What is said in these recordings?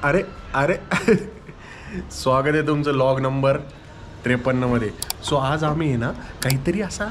अरे अरे स्वागत आहे तुमचं लॉग नंबर 53 मध्ये. सो आज आम्ही आहे ना काहीतरी असा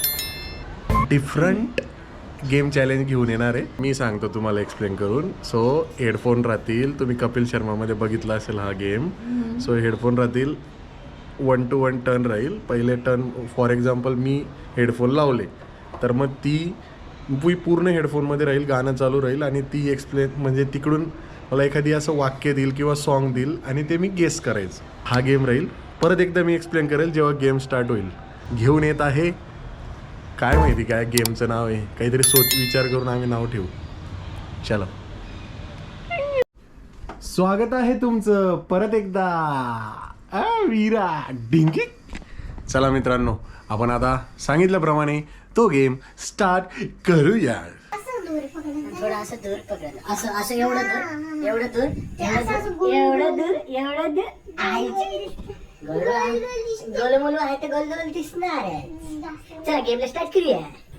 डिफरंट गेम चॅलेंज घेऊन येणार आहे. मी सांगतो तुम्हाला एक्सप्लेन करून. सो हेडफोन राहतील, तुम्ही कपिल शर्मामध्ये बघितला असेल हा गेम. सो हेडफोन राहतील, 1 to 1 टर्न राहील. पहिले टर्न फॉर एक्झाम्पल मी हेडफोन लावले तर मग ती पूर्ण हेडफोनमध्ये राहील, गाणं चालू राहील आणि ती एक्सप्लेन म्हणजे तिकडून मला एखादी असं वाक्य देईल किंवा सॉन्ग देईल आणि ते मी गेस करायचं. हा गेम राहील. परत एकदा मी एक्सप्लेन करेल जेव्हा गेम स्टार्ट होईल. घेऊन येत आहे, काय माहिती काय गेमचं नाव आहे, काहीतरी विचार करून आम्ही नाव ठेवू. चला, स्वागत आहे तुमचं परत एकदा वीरा डिंगी. चला मित्रांनो, आपण आता सांगितल्याप्रमाणे तो गेम स्टार्ट करूया. थोडं असं दूर पकडलं, असं असं एवढं दूर एवढं दूर एवढं दूर एवढं दूर गोलमोलू आहे तर गोलगोल दिसणार आहे. चला गेमला स्टार्ट करूया.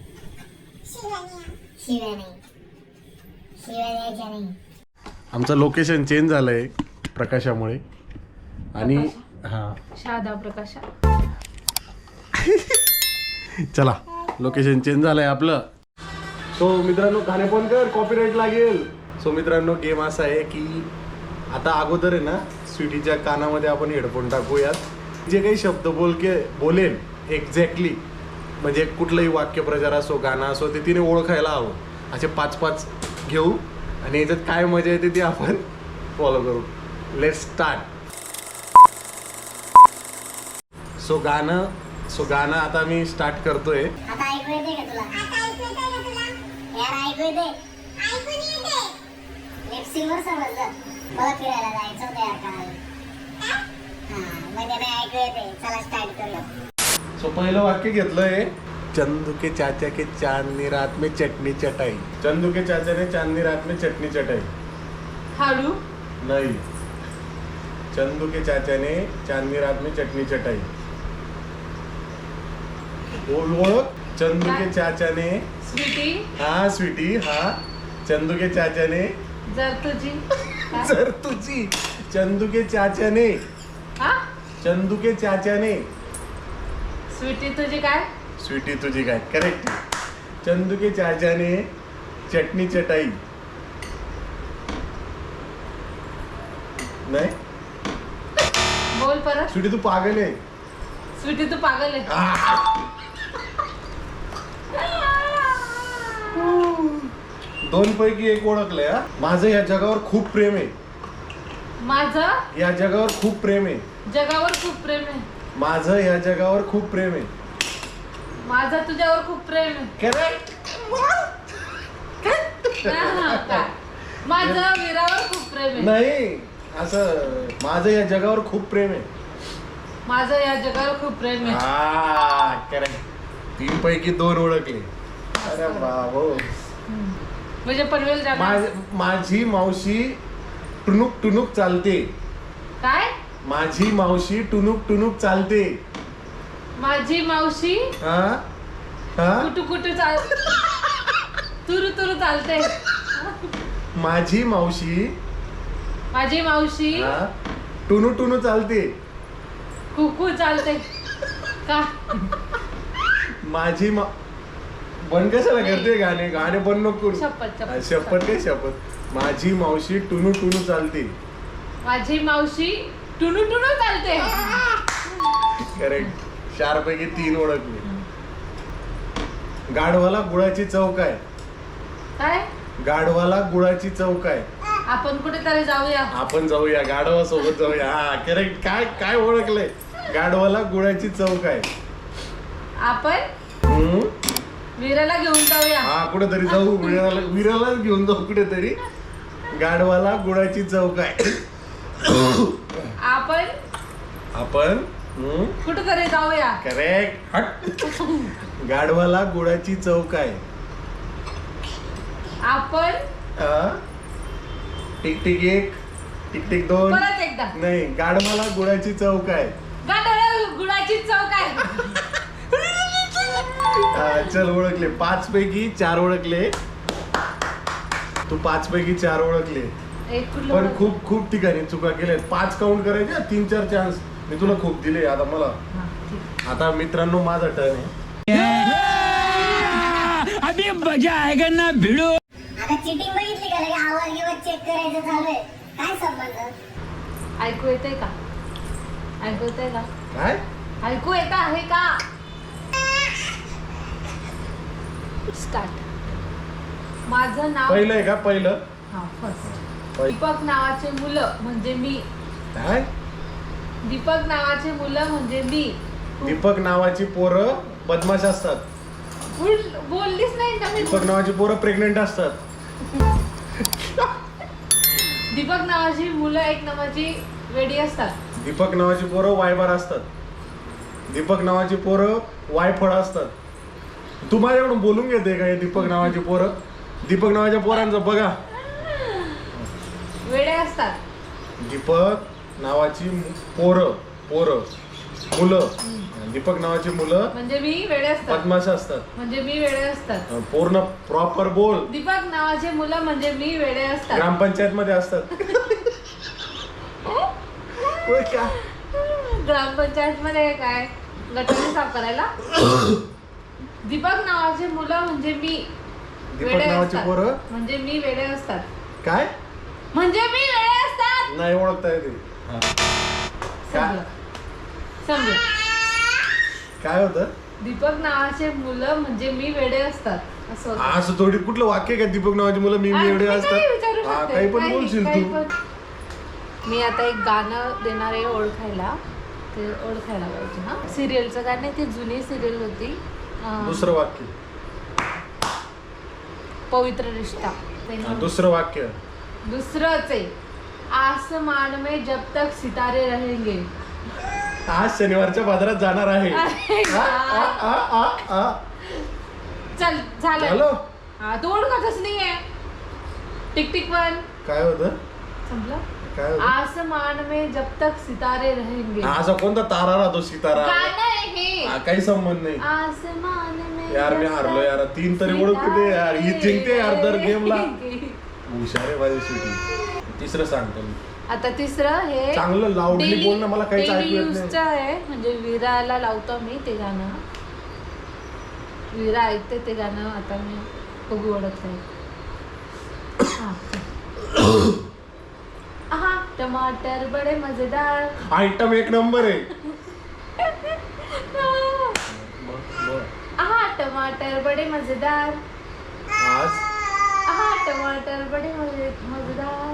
आमचं लोकेशन चेंज झालंय प्रकाशामुळे आणि हा शादा प्रकाश. चला लोकेशन चेंज झालंय आपलं. सो मित्रांनो, गाणे पण कर, कॉपीराईट लागेल. सो मित्रांनो, गेम असा आहे की आता अगोदर आहे ना स्वीटीच्या कानामध्ये आपण हेडफोन टाकूयात. जे काही शब्द बोलेल एक्झॅक्टली, म्हणजे कुठलंही वाक्यप्रचार असो गाणं असो ते तिने ओळखायला हवं. असे 5-5 घेऊ आणि याच्यात काय मजा येते ती आपण फॉलो करू. Let's start. सो गाणं आता मी स्टार्ट करतोय. आता ऐकू येते का तुला? यार ऐकू येते? लिपसिंगवर समजलं. मला फिरायला जायचं होतं यार काल. म्हणजे नाही ऐकू येते. चला स्टार्ट करूया. सो पहिलं वाक्य घेतलंय, चंदू के चाचा के चांदनी रात में चटनी चटाई. चंदू के चाचा ने चांदनी रात में चटनी चटाई. हाडू नहीं, चंदू के चाचा ने चांदनी रात में चटनी चटाई. बोल. चंदू के चाचा ने, स्वीटी हाँ स्वीटी, हाँ चंदू के चाचा ने जर तुझी जर तुझी. चंदू के चाचा ने, हा चंदू के चाचा ने. स्वीटी तुझी काय? स्वीटी तुझी काय. करेक्ट. चंदू के चाचा ने चटनी चटाई. नाही, बोल परत. स्वीटी तू पागल आहे. स्वीटी तू पागल आहे. दोन पैकी एक ओळखलंय. हा, माझं या जगावर खूप प्रेम आहे. माझं या जगावर खूप प्रेम आहे. जगावर खूप प्रेम आहे. माझं या जगावर खूप प्रेम आहे. माझं तुझ्यावर खूप प्रेम आहे. करेक्ट. हा, काय? माझं वीरावर खूप प्रेम आहे. नाही, असं माझं या जगावर खूप प्रेम आहे. माझं या जगावर खूप प्रेम आहे. हा करेक्ट. 3 पैकी 2 ओळखले. अरे बाबो. म्हणजे पनवेल जागा. माझी मावशी टुनुक टुनुक चालते. काय? माझी मावशी टुनुक टुनुक चालते. माझी मावशी हा हा. कुटू कुटू चाल तुरु तुरु चालते. माझी मावशी हा टुनू टुनू चालते. कुकू चालते का? माझी बंद कशाला करते गाणे बंद नको करू. शपथ काय शपथ. माझी मावशी टुनू टुनू चालते. माझी मावशी टुनू टुनू चालते. करेक्ट. 4 पैकी 3 ओळखले. गाढवाला गुळाची चव काय? काय? गाढवाला गुळाची चव काय? आपण कुठेतरी जाऊया. आपण जाऊया, गाढवा सोबत जाऊया. हा करेक्ट. काय काय ओळखलंय? गाढवाला गुळाची चव काय? आपण वीराला घेऊन जाऊया. हा कुठेतरी जाऊ. विरालाच घेऊन जाऊ कुठेतरी. गाढवाला गुळाची चव काय? आपण कुठेतरी जाऊया. करेक्ट. हट. गाढवाला गुळाची चव काय? आपण टिक टिक 1, टिक टिक 2. परत एकदा. नाही, गाढवाला गुळाची चव काय? गाढवाला गुळाची चव काय? चल ओळखले. 5 पैकी 4 ओळखले. तू 5 पैकी 4 ओळखले. एक कुठलं पण ओळख? खूप खूप ठिकाणी चुका केल्या 5 काउंट करायचे 3-4 चान्स मी तुला खूप दिले आता मला. हा, ठीक. आता मित्रांनो माझा टर्न आहे. अभी मजा आएगा ना भिड़ो. आता चिटिंग बघितली का लगे आवाज गिवाज चेक करायचं चालू आहे. काय संबंध? ऐकू येतंय का? ऐकू येतंय का? काय ऐकू येत आहे का? स्टार्ट. माझं नाव पहिलं आहे का पहिलं हा फर्स्ट. पहि- दीपक नावाचे मुलं म्हणजे मी. काय दीपक नावाचे मुलं म्हणजे मी. दीपक नावाची पोरं बदमाश असतात. बोललीच नाही का मी? दीपक नावाची पोरं प्रेग्नेंट असतात. दीपक नावाची मुलं एक नावाची वेडी असतात. दीपक नावाची पोरं वायबार असतात. दीपक नावाची पोरं वायफळ असतात. तू माझ्याकडून बोलून घेते का हे दीपक नावाची पोरं? दीपक नावाच्या पोरांचं बघा. वेडे असतात. दीपक नावाची पोरं मुलं दीपक नावाची मुलं म्हणजे मी वेडे असतात. बदमाश असतात. म्हणजे मी वेडे असतात. पूर्ण प्रॉपर बोल. दीपक नावाचे मुलं म्हणजे मी वेडे असतात. ग्रामपंचायत मध्ये असतात. होय का? ग्रामपंचायत मध्ये काय गटारी साफ करायला? दीपक नावाचे मुलं म्हणजे मी दीपक वेडे नावाची असतात. पोरं म्हणजे मी वेडे असतात. काय म्हणजे मी वेडे असतात. नाही ओळखता येते. समजलं. समजलं. काय होतं? दीपक नावाचे मुलं म्हणजे मी वेडे असतात असं होतं. असं थोडी कुठलं वाक्य का दीपक नावाची मुलं मी आणि एवढे मी काही विचारू असतात. शकते. काही पण बोलशील काही तू. पण. मी आता एक गाणं देणार आहे ओळखायला. ते ओळखायला पाहिजे. हा सिरियलचं गाणं आहे. ती जुनी सिरियल होती. दुसरं वाक्य. पवित्र रिश्ता. दुसरं वाक्य. दुसरंच आहे. आसमान में जब तक सितारे रहेंगे. आज शनिवारच्या बाजारात जाणार आहे. अरे आ, आ, आ, आ, आ. चल झालं. हॅलो हा तू ओळखतच नाहीये. Tick tick one. काय होतं? संपलं. काय होतं? आसमान में जब तक सितारे रहेंगे. असा कोणता तारा राहतो सितारा? गाणं आहे हे. हा, काही संबंध नाही आसमान में यार. मी जब हारलो तक यार. 3 तरी ओळखू दे यार. ही जिंकते यार दर गेमला. रहेंगे. हुशार आहे माझी शेवटी. तिसरं सांगतो मी. आता तिसरं हे चांगलं लाऊडली daily- बोल ना. मला काहीच daily ऐकू येत use चं नाही. आहे. म्हणजे विराला लावतो मी ते गाणं. विरा ऐकते ते गाणं. आता मी बघू ओळखलंय. आहा टमाटर बडे मजेदार. आयटम एक नंबर आहे. आहा टमाटर बडे मजेदार. आज आहा टमाटर बडे मजेदार.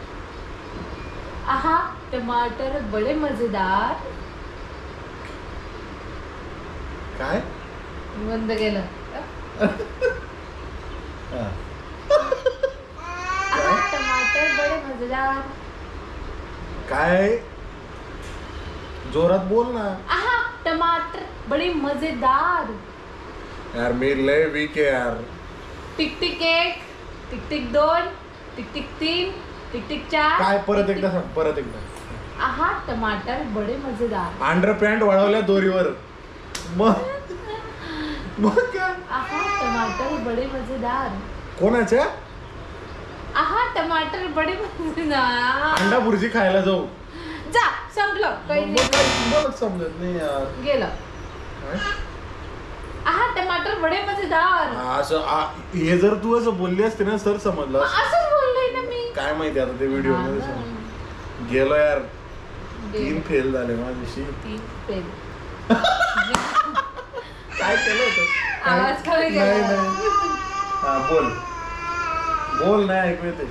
आहा टमाटर बडे मजेदार. काय बंद केलं. हा. आहा टमाटर बडे मजेदार. काय जोरात बोल ना आहा टमाटर बडे मजेदार. यार. मी लय वीक आहे यार. Tick tick 1, tick tick 2, tick tick 3, tick tick 4. काय परत एकदा सांग. परत एकदा. आहा टमाटर बडे मजेदार. अंडर पॅन्ट वाढवल्या दोरीवर. मग काय? आहा टमाटर बडे मजेदार. कोणाच्या? आहा टमाटर बडे मजेदार. अंडा भुर्जी खायला जाऊ. जा संपलं. काही मग नाही. काय तुम्हालाच समजत नाही यार. गेलं. काय? आहा टमाटर बडे मजेदार. हे जर तू असं बोलली असते ना सर समजलं असतं. असंच बोललोय ना मी. काय माहिती आता ते व्हिडिओ मध्ये समजलं. गेलो यार. 3 फेल झाले माझ्याशी. 3 फेल. काय केलं होतं? आवाज कमी केला. नाही नाही. हा बोल. बोल नाही ऐकू येते.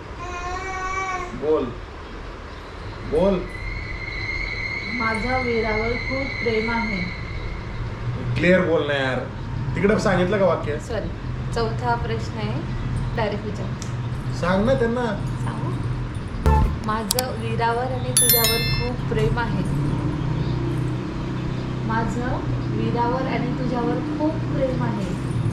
बोल बोल. माझ्या वीरावर खूप प्रेम आहे. क्लिअर बोल ना यार. तिकडं सांगितलं का वाक्य? सॉरी. चौथा प्रश्न आहे. डायरेक्ट विचार. सांग ना त्यांना. सांगू. माझं वीरावर आणि तुझ्यावर खूप प्रेम आहे. माझं वीरावर आणि तुझ्यावर खूप प्रेम आहे.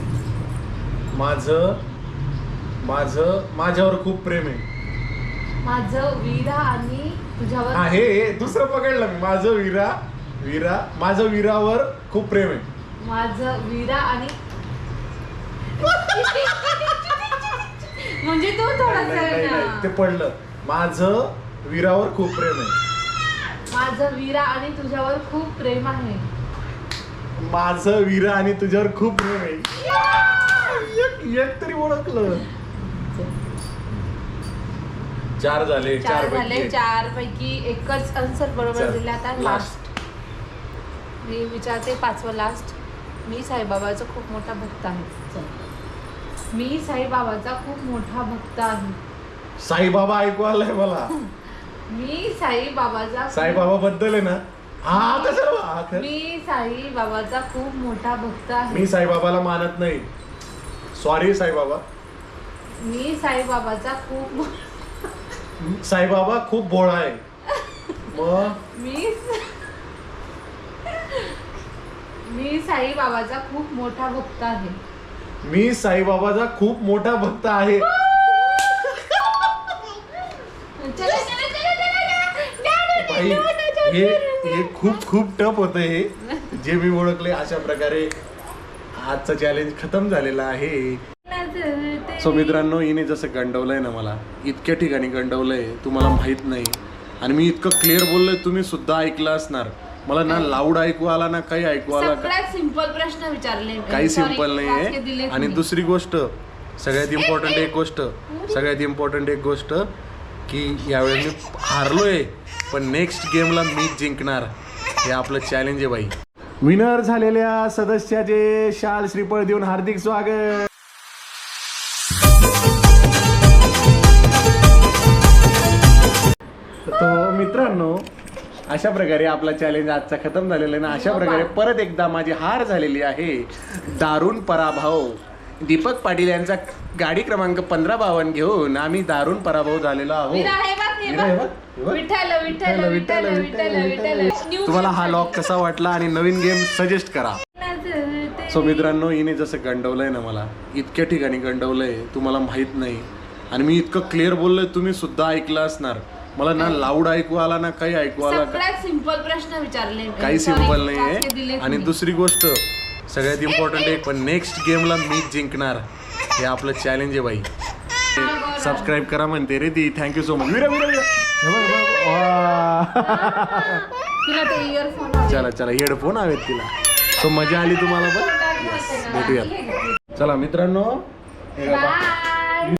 माझ्यावर खूप प्रेम आहे. माझं वीरा आणि तुझ्यावर हा हे दुसरं पकडलं मी. माझं वीरावर खूप प्रेम आहे. माझं वीरा आणि म्हणजे तू थोडासा नाही, ना. ते पडलं. माझं वीरावर खूप प्रेम आहे. माझं वीरा आणि तुझ्यावर खूप प्रेम आहे. माझं वीरा आणि तुझ्यावर खूप प्रेम आहे. एक तरी ओळखलं. 4 झाले. 4 झाले. 4 पैकी एकच आन्सर बरोबर दिला. आता लास्ट मी विचारते 5वं लास्ट. मी साईबाबाचा खूप मोठा भक्त आहे. मी साईबाबाचा खूप मोठा भक्त आहे. साईबाबा ऐकू आलाय मला. मी साईबाबाचा साईबाबा बद्दल आहे ना. हा कसं मी साईबाबाचा खूप मोठा भक्त आहे. मी साईबाबाला मानत नाही. सॉरी साईबाबा. मी साईबाबाचा खूप साईबाबा खूप भोळा आहे. मग मी साईबाबाचा खूप मोठा भक्त आहे. मी साईबाबाचा खूप मोठा भक्त आहे. भाई, हे खूप खूप टफ होतं. हे जे मी ओळखले अशा प्रकारे आजचं चॅलेंज खतम झालेला आहे. सो मित्रांनो, हिने जसं गंडवलंय ना मला, इतक्या ठिकाणी गंडवलंय तुम्हाला माहित नाही. आणि मी इतकं क्लिअर बोललोय, तुम्ही सुद्धा ऐकलं असणार. मला ना लाऊड ऐकू आला ना काही ऐकू आला. सगळ्यात सिंपल प्रश्न विचारले. काही सिंपल नाहीये. आणि दुसरी गोष्ट, सगळ्यात इम्पॉर्टंट एक गोष्ट की यावेळी मी हारलोय, पण नेक्स्ट गेमला मीच जिंकणार. हे आपलं चॅलेंज आहे बाई. विनर झालेल्या सदस्याचे शाल श्रीफळ देऊन हार्दिक स्वागत. तो मित्रांनो, अशा प्रकारे आपला चॅलेंज आजचा खतम झालेला आहे ना. अशा प्रकारे परत एकदा माझी हार झालेली आहे. दारुण पराभव. दीपक पाटील यांचा गाडी क्रमांक 1552 घेऊन आम्ही दारुण पराभव झालेलो आहोत. तुम्हाला हा लॉक कसा वाटला आणि नवीन गेम सजेस्ट करा. सो मित्रांनो, हिने जसं गंडवलंय ना मला, इतक्या ठिकाणी गंडवलंय तुम्हाला माहित नाही. आणि मी इतकं क्लिअर बोललोय, तुम्ही सुद्धा ऐकलं असणार. मला ना लाऊड ऐकू आला ना काही ऐकू आला. सगळ्यात सिंपल प्रश्न विचारले. काही सिंपल नाहीये. आणि दुसरी गोष्ट, सगळ्यात इम्पॉर्टंट आहे, पण नेक्स्ट गेमला मीच जिंकणार. हे आपलं चॅलेंज आहे बाई. सबस्क्राईब करा म्हणते रे ती. Thank you so much. चला हेडफोन हवेत तिला. सो मजा आली तुम्हाला पण. भेटूयात. चला मित्रांनो, हे बघा.